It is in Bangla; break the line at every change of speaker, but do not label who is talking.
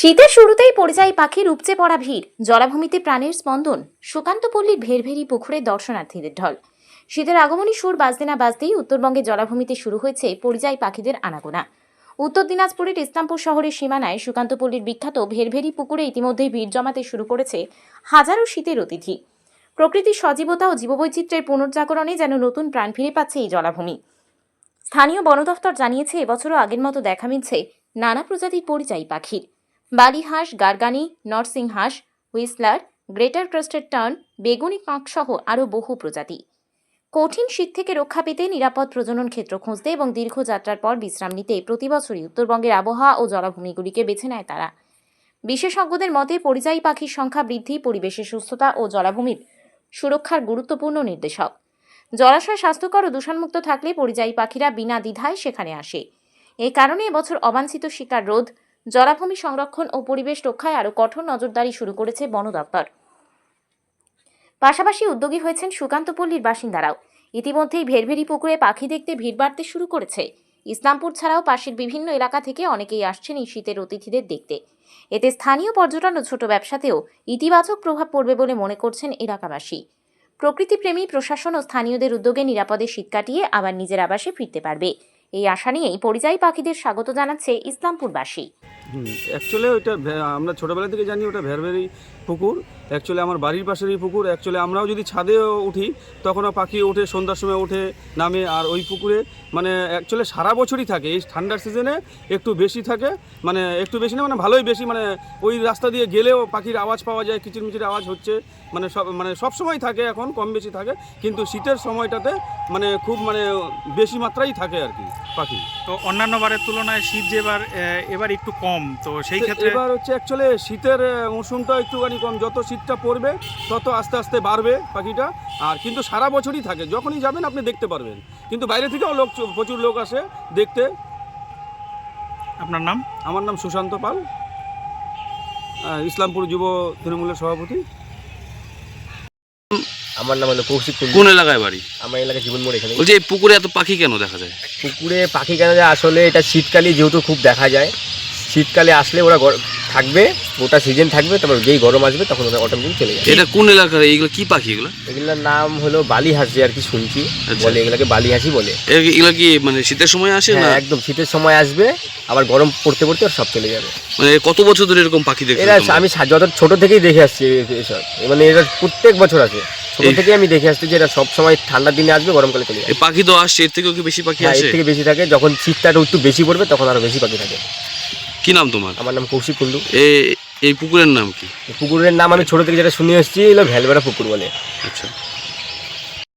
শীতের শুরুতেই পরিযায়ী পাখির উপচে পড়া ভিড়, জলাভূমিতে প্রাণের স্পন্দন। সুকান্তপল্লীর ভেরভেরি পুকুরে দর্শনার্থীদের ঢল। শীতের আগমনী সুর বাজতে না বাজতেই উত্তরবঙ্গে জলাভূমিতে শুরু হয়েছে পরিযায়ী পাখিদের আনাগোনা। উত্তর দিনাজপুরের ইসলামপুর শহরের সীমানায় সুকান্তপল্লীর বিখ্যাত ভেরভেরি পুকুরে ইতিমধ্যেই ভিড় জমাতে শুরু করেছে হাজারো শীতের অতিথি। প্রকৃতির সজীবতা ও জীববৈচিত্র্যের পুনর্জাগরণে যেন নতুন প্রাণ ফিরে পাচ্ছে এই জলাভূমি। স্থানীয় বন দফতর জানিয়েছে, এবছরও আগের মতো দেখা মিলছে নানা প্রজাতির পরিযায়ী পাখির। বালি হাঁস, গার্গানি, নরসিং হাঁস, হুইসলার, গ্রেটার ক্রেস্টেড টার্ন, বেগুনি কাক সহ আরও বহু প্রজাতি। কঠিন শীত থেকে রক্ষা পেতে নিরাপদ প্রজনন ক্ষেত্র খুঁজতে এবং দীর্ঘ যাত্রার পর বিশ্রাম নিতে প্রতিবছরই উত্তরবঙ্গের আবহাওয়া ও জলাভূমিগুলিকে বেছে নেয় তারা। বিশেষজ্ঞদের মতে পরিযায়ী পাখির সংখ্যা বৃদ্ধি পরিবেশের সুস্থতা ও জলাভূমির সুরক্ষার গুরুত্বপূর্ণ নির্দেশক। জলাশয় স্বাস্থ্যকর ও দূষণমুক্ত থাকলে পরিযায়ী পাখিরা বিনা দ্বিধায় সেখানে আসে। এই কারণে এবছর অবাঞ্ছিত শিকার রোধ, জলাভূমি সংরক্ষণ ও পরিবেশ রক্ষায় আরও কঠোর নজরদারি শুরু করেছে বন দপ্তর। পাশাপাশি উদ্যোগী হয়েছেন সুকান্তপল্লীর বাসিন্দারাও। ইতিমধ্যেই ভেরভেরি পুকুরে পাখি দেখতে ভিড় বাড়তে শুরু করেছে। ইসলামপুর ছাড়াও পাশের বিভিন্ন এলাকা থেকে অনেকেই আসছেন এই শীতের অতিথিদের দেখতে। এতে স্থানীয় পর্যটন ও ছোট ব্যবসাতেও ইতিবাচক প্রভাব পড়বে বলে মনে করছেন এলাকাবাসী। প্রকৃতিপ্রেমী প্রশাসন ও স্থানীয়দের উদ্যোগে নিরাপদে শীত কাটিয়ে আবার নিজের আবাসে ফিরতে পারবে, এই আশা নিয়েই পরিযায়ী পাখিদের স্বাগত জানাচ্ছে ইসলামপুরবাসী।
অ্যাকচুয়ালি ওইটা আমরা ছোটোবেলা থেকে জানি ওটা ভেরভেরি পুকুর। অ্যাকচুয়ালি আমার বাড়ির পাশেরই পুকুর। অ্যাকচুয়ালি আমরাও যদি ছাদেও উঠি তখনও পাখি ওঠে, সন্ধ্যার সময় ওঠে নামে। আর ওই পুকুরে মানে অ্যাকচুয়ালি সারা বছরই থাকে। এই ঠান্ডার সিজনে একটু বেশি থাকে, মানে একটু বেশি না, মানে ভালোই বেশি। মানে ওই রাস্তা দিয়ে গেলেও পাখির আওয়াজ পাওয়া যায়, কিচিরমিচির আওয়াজ হচ্ছে। মানে সব সময় থাকে, এখন কম বেশি থাকে, কিন্তু শীতের সময়টাতে মানে খুব বেশি মাত্রাই থাকে আর কি পাখি।
তো অন্যান্য বারের তুলনায় শীত যে এবার একটু কম, তো সেই ক্ষেত্রে
এবার হচ্ছে অ্যাকচুয়ালি শীতের মৌসুমটা একটুখানি কম। যত শীতটা পড়বে তত আস্তে আস্তে বাড়বে পাখিটা। আর কিন্তু সারা বছরই থাকে, যখনই যাবেন আপনি দেখতে পারবেন। কিন্তু বাইরে থেকেও প্রচুর লোক আসে দেখতে।
আপনার নাম?
আমার নাম সুশান্ত পাল, ইসলামপুর যুব তৃণমূলের সভাপতি।
আমার নাম হলো কৌশিক।
কোন এলাকায় বাড়ি?
আমার এলাকায় জীবন মোড়। এখানে
বলছি, এই পুকুরে এত পাখি কেন দেখা যায়?
পুকুরে পাখি কেন যায়, আসলে এটা শীতকালে যেহেতু খুব দেখা যায়। শীতকালে আসলে ওরা থাকবে, গোটা সিজন থাকবে, তারপর যেই গরম আসবে তখন ওরা অটোমেটিক চলে যাবে।
এটা কোন এলাকার? এইগুলো কি পাখি?
এগুলোর নাম হলো বালি হাঁস, যে আর কি শুনছি বলে, এগুলোকে বালি হাঁসই বলে।
এগুলো কি মানে শীতের সময় আসে না?
একদম শীতের সময় আসবে, আবার গরম পড়তে পড়তে ওরা সব চলে যাবে।
মানে কত বছর ধরে এরকম পাখি দেখতে?
এরা আমি যত ছোট থেকেই দেখে আসছি এসব, মানে এরা প্রত্যেক বছর আসে। ছোট থেকেই আমি দেখে আসছি যে এরা সব সময় ঠান্ডার দিনে আসবে, গরমকালে চলে যাবে।
এই পাখি তো আসছে, এর থেকেও কি বেশি পাখি আসে?
এর থেকে বেশি থাকে, যখন শীতটা একটু বেশি পড়বে তখন আরো বেশি পাখি থাকে।
কি নাম তোমার?
আমার নাম কৌশিক কুন্ডু।
এই পুকুরের নাম কি?
পুকুরের নাম আমি ছোট থেকে যেটা শুনে এসেছি, এলো ভেলবেড়া পুকুর বলে।
আচ্ছা।